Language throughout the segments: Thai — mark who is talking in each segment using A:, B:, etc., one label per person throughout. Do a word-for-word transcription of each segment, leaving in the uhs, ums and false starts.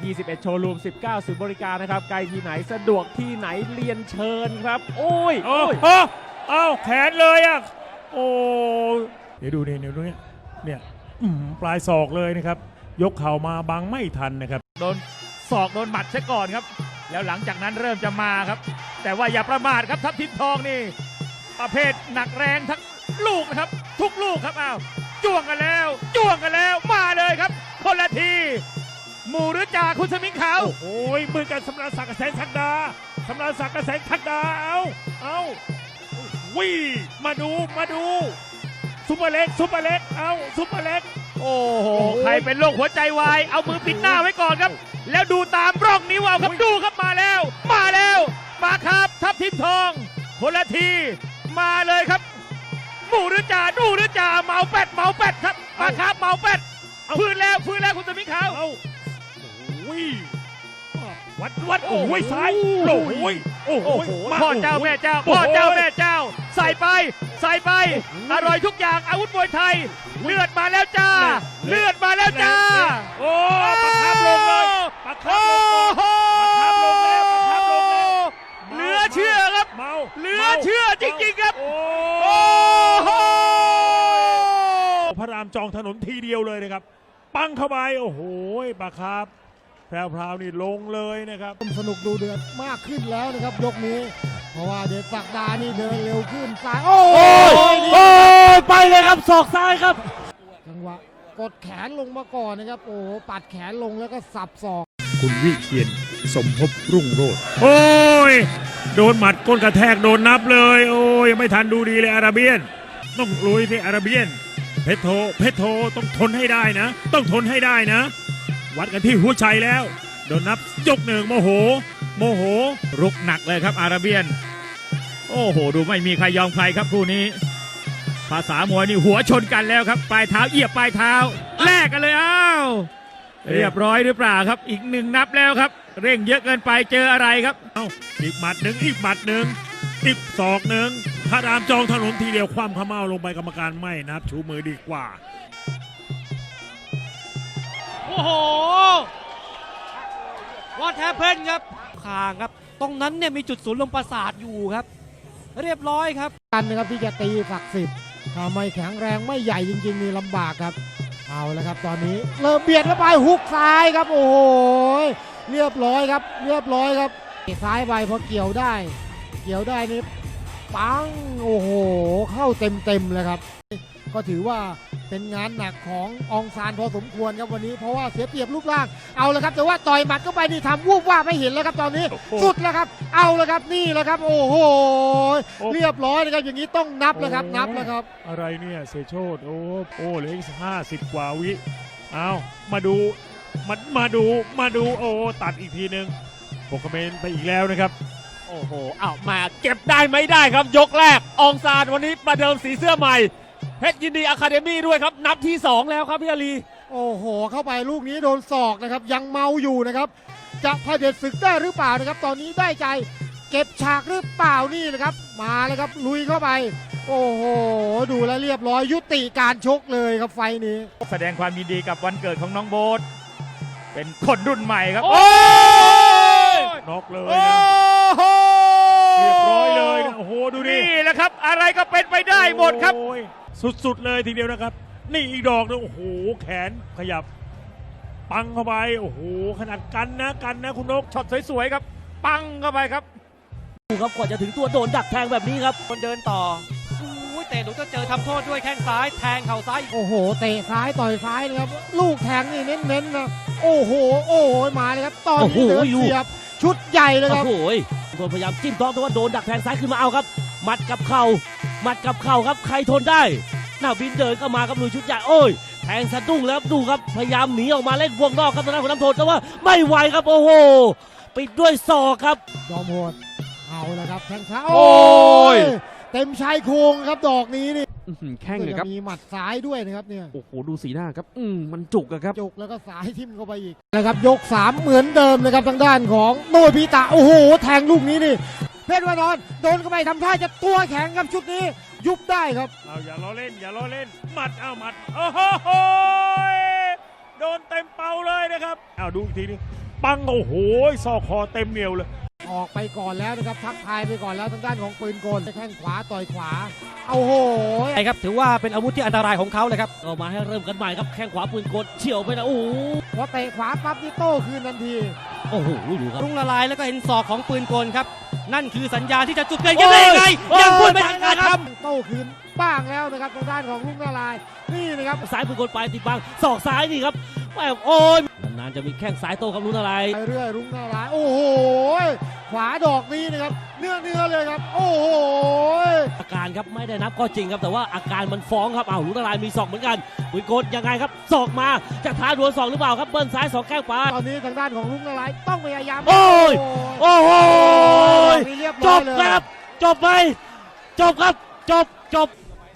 A: ยี่สิบเอ็ด โชว์รูม สิบเก้า ศูนย์บริการนะครับไกลที่ไหนสะดวกที่ไหนเรียนเชิญครับโอ้ย
B: โอ้
A: โอ้ย
B: โหเอ้าแขนเลยอ่ะโอ้เดี๋ยวดูเนี่ยเดี๋ยวดูเนี่ยเนี่ยอื้อหือปลายศอกเลยนะครับยกเข่ามาบังไม่ทันนะครับ
C: โดนศอกโดนหมัดซะก่อนครับแล้วหลังจากนั้นเริ่มจะมาครับแต่ว่าอย่าประมาทครับทัพทิมทองนี่ประเภทหนักแรงทั้งลูกนะครับทุกลูกครับอ้าวจ้วงกันแล้วจ้วงกันแล้วมาเลยครับคนละทีหมู่หรือจ่าคุณสมิงขาว
B: โอ้โหมือกันสำราญศักดิ์กับแสงทักดาสำราญศักดิ์กับแสงทักดาเอาเอาวิ่มาดูมาดูซุปเปอร์เล็กซุปเปอร์เล็กเอาซุปเปอร์เล็ก
C: โอ้โหใครเป็นโรคหัวใจวายเอามือปิดหน้าไว้ก่อนครับ แล้วดูตามร่องนิ้วเอาครับดูครับมาแล้ว มาแล้วมาครับทัพทิมทองคนละทีมาเลยครับหมู่หรือจ่าดูหรือจ่าเมาเป็ดเมาเป็ดครับมาครับเมาเป็ดฟื้นแล้วฟื้นแล้วคุณสมิงขาว
B: เอาโอ้ยวัดวัดโอ้ยซ้ายโอ้ยโอ้โห
C: โอ้โห
B: มา
C: พ่อเจ้าแม่เจ้าพ่อเจ้าแม่เจ้า ใส่ไปใส่ไปอร่อยทุกอย่างอาวุธมวยไทยเลือดมาแล้วจ้า เลือดมาแล้วจ้า
B: โอ้ปะคับลงเลยปะคับลงเลย
C: โอ้โห
B: ปะคับลงแล้วปะคับลงแล้ว
C: เหลือเชื่อครับ
B: เมา
C: เหลือเชื่อจริงๆครับ
B: โอ้
C: โอ้โห
B: พระรามจองถนนทีเดียวเลยนะครับ ปังเข้าไปโอ้โหปะครับแพรวๆนี่ลงเลยนะครับ
D: สนุกดูเดือดมากขึ้นแล้วนะครับยกนี้ เพราะว่าเดชศักดานี่เดินเร็วขึ้นซ้ายโอ้
A: โอ้ย
D: ย
A: โอ้ยไปเลยครับศอกซ้ายครับ
D: จังหวะกดแขนลงมาก่อนนะครับโอ้โหปัดแขนลงแล้วก็สับศอก
B: คุณวิเชียนสมภพรุ่งโรจน์โอ้ยโดนหมัดก้นกระแทกโดนนับเลย โอ้ยยังไม่ทันดูดีเลยอาราเบียน ต้องลุยที่อาราเบียน เพชรโทเพชรโทต้องทนให้ได้นะ ต้องทนให้ได้นะ วัดกันที่หัวใจแล้ว โดนนับยกหนึ่งโมโห โมโห
C: รุกหนักเลยครับอาราเบียน โอ้โหดูไม่มีใครยอมใครครับคู่นี้ ภาษามวยนี่หัวชนกันแล้วครับปลายเท้าเหยียบปลายเท้าแลกกันเลยอ้าวเรียบร้อยหรือเปล่าครับ อีกหนึ่งนับแล้วครับ เร่งเยอะเกินไปเจออะไรครับ
B: เอาอีกหมัดหนึ่งอีกหมัดหนึ่งอีกศอกหนึ่งพระรามจองถนนทีเดียวคว่ำขม้าลงไปกรรมการไม่นับชูมือดีกว่า
E: โอ้โหวอทแฮปเพนครับคางครับ ตรงนั้นเนี่ยมีจุดศูนย์ลมประสาทอยู่ครับ เรียบร้อยครับ
D: กันนะครับที่จะตีศักดิ์สิทธิ์ถ้าไม่แข็งแรงไม่ใหญ่จริงๆนี่ลำบากครับเอาแล้วครับตอนนี้เริ่มเบียดเข้าไปฮุกซ้ายครับโอ้โหเรียบร้อยครับเรียบร้อยครับซ้ายไปพอเกี่ยวได้ เกี่ยวได้นี่ปังโอ้โหเข้าเต็มๆเลยครับ ก็ถือว่าเป็นงานหนักของอองซานพอสมควรครับวันนี้เพราะว่าเสียเปรียบรูปร่างเอาแล้วครับแต่ว่าต่อยหมัดเข้าไปนี่ทำวูบว่าไม่เห็นแล้วครับตอนนี้
B: โอ้โห
D: สุดแล้วครับเอาแล้วครับนี่แหละครับโอ้โห
B: โอ้
D: เรียบร้อยนะครับอย่างนี้ต้องนับแล้วครับนับแล้วครับ
B: อะไรเนี่ยเสยโชดโอ้โอ้เหลืออีกห้าสิบกว่าวิเอามาดูมามาดูมาดูโอ้ตัดอีกทีหนึ่งหกคะแนนไปอีกแล้วนะครับ
A: โอ้โหอ้าวมาเก็บได้ไม่ได้ครับยกแรกอองซานวันนี้ประเดิมสีเสื้อใหม่เพชรยินดีอะคาเดมี่ด้วยครับนับที่สองแล้วครับพี่อาลี
D: โอ้โหเข้าไปลูกนี้โดนศอกนะครับยังเมาอยู่นะครับจะพเด็จศึกได้หรือเปล่านะครับตอนนี้ได้ใจเก็บฉากหรือเปล่านี่นะครับมาเลยครับลุยเข้าไป โอ้โหดูแลวเรียบร้อยยุติการชกเลยครับไฟนี้
C: แสดงความยินดีกับวันเกิดของน้องโบ๊ทเป็นคนรุ่นใหม่ครับ
A: โอ้ย
B: น็อกเลย
C: โอ้
B: นะ
C: โห
B: เรียบร้อยเลยนะโอ้โหดูดิ
C: นี่แหละครับ อะไรก็เป็นไปได้หมดครับ
B: โอ้ยสุดๆเลยทีเดียวนะครับ นี่อีกดอกนึงโอ้โหแขนขยับ ปังเข้าไปโอ้โหขนาดกันนะกันนะคุณนก
C: ช็อตสวยๆครับ ปังเข้าไปครับ
A: ดูครับกว่าจะถึงตัวโดนดักแทงแบบนี้ครับ
E: คนเดินต่อโอ้ยเตะหนูจะเจอทำโทษด้วยแข้งซ้ายแทงเข่าซ้าย
D: โอ้โหเตะซ้ายต่อยซ้ายนะครับลูกแทงนี่เน้นๆนะโอ้โหโอ้โหมาเลยครับตอนนี้
A: โอ้โห
D: เดิน
A: ลูก
D: เสียบชุดใหญ่เลยครับ
A: โอ้โหคนพยายามจิ้มท้องแต่ว่าโดนดักแทงซ้ายขึ้นมาเอาครับหมัดกับเข่าหมัดกับเข่าครับใครทนได้หน้าบินเดินเข้ามาครับลุยชุดใหญ่โอ้ยแทงสะดุ้งแล้วครับดูครับพยายามหนีออกมาเล่นวงนอกครับตอนนั้นของน้ำโทนแต่ว่าไม่ไหวครับโอ้โหปิดด้วยศอกครับ
D: ยอมโหดเอาละครับแทงซ้าย
A: โอ้ย
D: เต็มชายโครงครับดอกนี้นี่
A: อื้อหือแข้งเลยครับ
D: มีหมัดซ้ายด้วยนะครับเนี่ย
A: โอ้โหดูสีหน้าครับอืมมันจุกอะครับ
D: จุกแล้วก็สายทิ่มเข้าไปอีกนะครับยกสามเหมือนเดิมนะครับทางด้านของโนยพิตะโอ้โหแทงลูกนี้นี่เพชรวานอนโดนเข้าไปทำท่าจะตัวแข็งครับชุดนี้ยุบได้ครับ
B: เอาอย่าล้อเล่นอย่าล้อเล่นหมัดเอาหมัดโอ้โหโดนเต็มเป่าเลยนะครับเอาดูอีกทีนึงปังโอ้โหซอกคอเต็มเหนียวเลย
D: ออกไปก่อนแล้วนะครับทักทายไปก่อนแล้วทางด้านของปืนกลแข้งขวาต่อยขวาเอาโห
E: ใช่ครับถือว่าเป็นอาวุธที่อันตรายของเขาเลยครับ
A: ก็มาให้เริ่มกันใหม่ครับแข้งขวาปืนกลเฉียวไปนะโอ้โห
D: พอเตะขวาปั๊บนี่โต้คืนทันที
A: โอ้โหดูครับ
E: รุ่งละลายแล้วก็เห็นศอกของปืนกลครับ นั่นคือสัญญาณที่จะจุดเปลี่ยนกันได้ยังไงยังพูดไม่ทันการครับ
D: โต้คืนบ้างแล้วนะครับทางด้านของลุงนาลายณ์นี่นะครับ
A: ซ้ายปืนกลไปติดบังศอกซ้ายนี่ครับแหม่โอ้ยนานๆจะมีแข้งซ้ายโต้ครับลุ้นอะไร
D: ไปเรื่อยลุงนาลายณ์โอ้โหขวาดอกนี้นะครับเนื้อเนื้อเลยครับโอ้โห
A: อาการครับไม่ได้นับก็จริงครับแต่ว่าอาการมันฟ้องครับอ้าวลุ้นอะไรมีศอกเหมือนกันปืนกลยังไงครับศอกมาจะท้าดวลศอกหรือเปล่าครับเบิ้ลซ้ายสองแข้งขวา
D: ตอนนี้ทางด้านของลุงนาลายณ์ต้องพยายาม
A: โอ้ย โอ้โห
D: นี่เรียบ
A: จ
D: ร้อย
A: บ
D: เลย
A: ครับ จบไหมจบครับจบจบ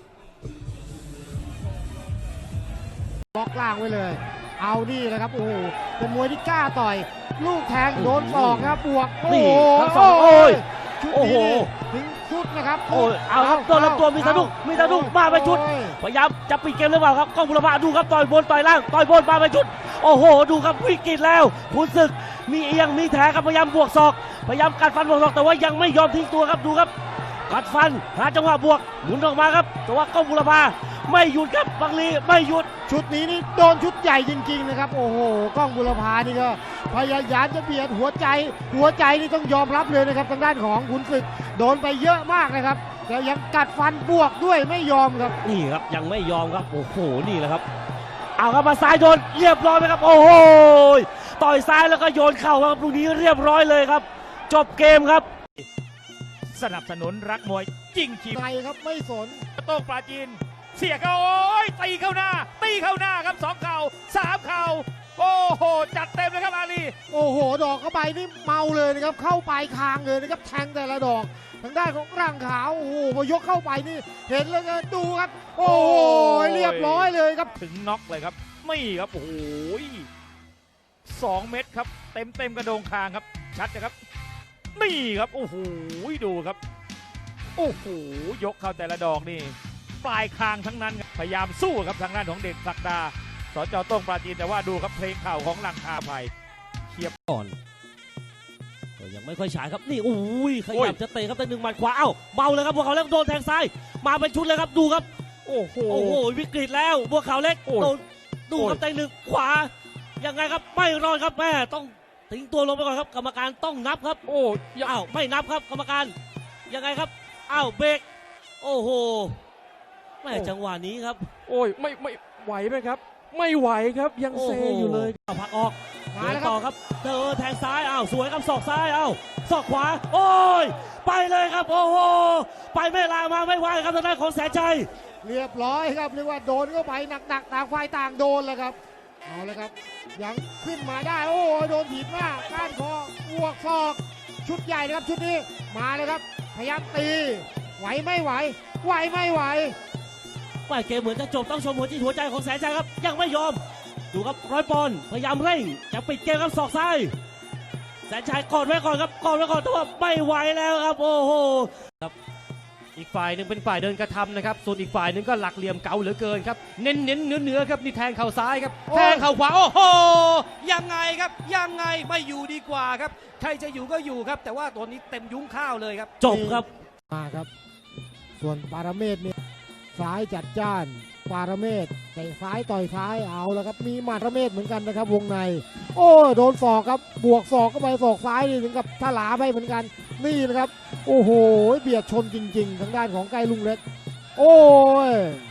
D: บล็อกล่างไว้เลย เอานี่แหละครับโอ้โหเป็นมวยที่กล้าต่อย ลูกแทงโดนศอกครับบวกโอ้
A: นี่
D: โห
A: ทั้งสองโอ้ย
D: ชุด
A: โอ้โห
D: นี้นี่ถึงชุดนะครับ
A: โอ้ยเอาครับตัวลำตัวมีสะดุ้งมีสะดุ้งมาไปชุด
D: โอ้ย
A: พยายามจะปิดเกมหรือเปล่าครับกล้องบุรพาดูครับต่อยบนต่อยล่างต่อยบนมาไปชุด โอ้โห ดูครับวิกฤตแล้วคุณศึกมีเอียงมีแถครับพยายามบวกศอกพยายามกัดฟันบวกศอกแต่ว่ายังไม่ยอมทิ้งตัวครับดูครับกัดฟันหาจังหวะบวกหมุนออกมาครับแต่ว่ากล้องบุรพาไม่หยุดครับบังลีไม่หยุด
D: ชุดนี้นี่โดนชุดใหญ่จริงๆนะครับโอ้โหกล้องบุรพานี่ก็พยายามจะเบียดหัวใจ หัวใจนี่ต้องยอมรับเลยนะครับทางด้านของขุนศึกโดนไปเยอะมากนะครับแต่ยังกัดฟันบวกด้วยไม่ยอมครับ
A: นี่ครับยังไม่ยอมครับโอ้โหนี่แหละครับเอาครับมาซ้ายโดนเรียบร้อยไหมครับโอ้โหต่อยซ้ายแล้วก็โยนเข่าครับลูกนี้เรียบร้อยเลยครับ จบเกมครับ
C: สนับสนุนรักมวยจริงชีพ
D: ใครครับไม่สน
C: โต้งปราจีน เสียเข้าโอ้ยตีเข้าหน้า ตีเข้าหน้าครับสองเข่าสามเข่าโอ้โห จัดเต็มเลยครับอาลี
D: โอ้โห ดอกเข้าไปนี่เมาเลยนะครับ เข้าปลายคางเลยนะครับ แทงแต่ละดอก ทางด้านของร่างขาว โอ้โห พอยกเข้าไปนี่ เห็นแล้วก็ดูครับ โอ้โห เรียบร้อยเลยครับ
C: ถึงน็อกเลยครับ ไม่ครับ โอ้โหสองเม็ดครับ เต็มเต็มกระโดงคางครับ ชัดนะครับ นี่ครับ โอ้โห ดูครับ โอ้โห ยกเข้าแต่ละดอกนี่ ปลายคางทั้งนั้นครับพยายามสู้ครับทางด้านของเด่นศักดาสจโต้งปราจีนแต่ว่าดูครับเพลงข่าวของลังคาภัยเทียบ
A: ก่อนก็ยังไม่ค่อยฉายครับนี่โอ้ยข
C: โอ้
A: ยั
C: ย
A: บจะเตะครับแต่หนึ่งหมัดขวาเอ้าเมาเลยครับบัวขาวเล็กโดนแทงซ้ายมาเป็นชุดเลยครับดูครับ
C: โอ้โห
A: โอ้โหวิกฤตแล้วบัวขาวเล็ก
C: โอ้ย
A: โดนดูครับ
C: โอ้ย
A: แต่หนึ่งขวายังไงครับไม่รอดครับแม่ต้องทิ้งตัวลงไปก่อนครับกรรมการต้องนับครับ
C: โอ้ย
A: อ้าวไม่นับครับกรรมการยังไงครับอ้าวเบรกโอ้โหแม่จังหวะนี้ครับ
F: โอ้ยไม่ไม่ไหวไหมครับ ไม่ไหวครับยังเซอยู่เลย
A: โอ้โหผลักออก
D: มา
A: เดิ
D: แล้
A: น
D: วครับ
A: ต่อครับเจอแทงซ้ายอ้าวสวยครับศอกซ้ายอ้าวศอกขวา โอ้ยไปเลยครับโอ้โหไปไม่ลามาไม่ไหวครับทางด้านของแสนชัย
D: เรียบร้อยครับเรียกว่าโดนเข้าไปหนักๆต่างฝ่ายต่างโดนแล้วครับ เอาละครับ ยังขึ้นมาได้ โอ้โหโดนถีบหน้าก้านคอบวกศอก ชุดใหญ่นะครับชุดนี้ มาเลยครับ พยายามตี ไหวไม่ไหว ไหวไม่ไหว
A: ว่าเกมเหมือนจะจบต้องชมหัวจิตหัวใจของแสนชัยครับ ยังไม่ยอม ดูครับร้อยปอนด์พยายามเร่งจะปิดเกมครับศอกซ้ายแสนชัยกอดไว้ก่อนครับกอดไว้ก่อนแต่ว่าไม่ไหวแล้วครับโอ้โห
E: อีกฝ่ายหนึ่งเป็นฝ่ายเดินกระทำนะครับ ส่วนอีกฝ่ายหนึ่งก็หลักเหลี่ยมเก๋าเหลือเกินครับ เน้นเน้นเนื้อเนื้อครับนี่แทงเข่าซ้ายครับ
D: โอ้ย
E: แทงเข่าขวา โอ้โห ยังไงครับ ยังไงไม่อยู่ดีกว่าครับ ใครจะอยู่ก็อยู่ครับ แต่ว่าตัวนี้เต็มยุ้งข้าวเลยครับ
A: จบครับ
D: มาครับ ส่วนปาราเมศเนี่ยซ้ายจัดจ้าน ปาราเมศเตะซ้ายต่อยซ้ายเอาแล้วครับ มีหมาดระเมศเหมือนกันนะครับ วงใน โอ้ยโดนศอกครับ บวกศอกเข้าไปศอกซ้ายนี่ถึงกับทลาไปเหมือนกัน นี่นะครับ โอ้โห เบียดชนจริง ๆ ทางด้านของไกลลุงเล็ก โอ้ย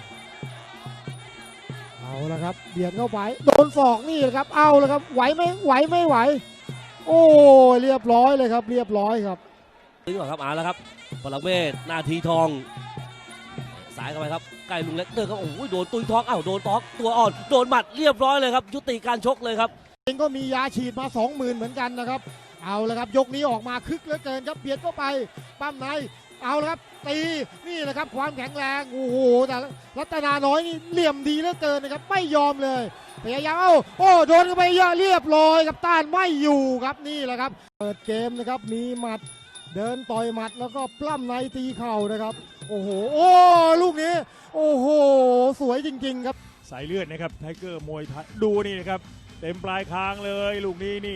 D: เอาละครับ เบียดเข้าไป โดนศอกนี่นะครับ เอาละครับ ไหวไหมไหวไม่ไหว โอ้ย เรียบร้อยเลยครับ เรียบร้อยครับ
A: ถึงก่อนครับเอาแล้วครับพลังเมธนาทีทองสายเข้าไปครับใกล้ลุงเล็กเตอร์ครับโอ้โหโดนตุยท้องอ้าวโดนตอกตัวอ่อนโดนหมัดเรียบร้อยเลยครับยุติการชกเลยครับ
D: เองก็มียาฉีดมา สองหมื่น เหมือนกันนะครับ เอาละครับ ยกนี้ออกมาคึกเหลือเกินครับ เบียดเข้าไป ปั้มใน เอาละครับ ตี นี่แหละครับความแข็งแรง โอ้โห แต่รัตนาน้อยนี่เหลี่ยมดีเหลือเกินนะครับ ไม่ยอมเลย พยายามเอ้า โอ้ โดนเข้าไปเยอะเรียบร้อยครับต้านไม่อยู่ครับ นี่แหละครับ เปิดเกมนะครับ มีหมัด เดินต่อยหมัดแล้วก็ปล้ำในตีเข่านะครับ โอ้โห โอ้ ลูกนี้ โอ้โห สวยจริงๆครับ
B: สายเลือดนะครับไทเกอร์มวยไทยดูนี่นะครับ เต็มปลายคางเลยลูกนี้นี่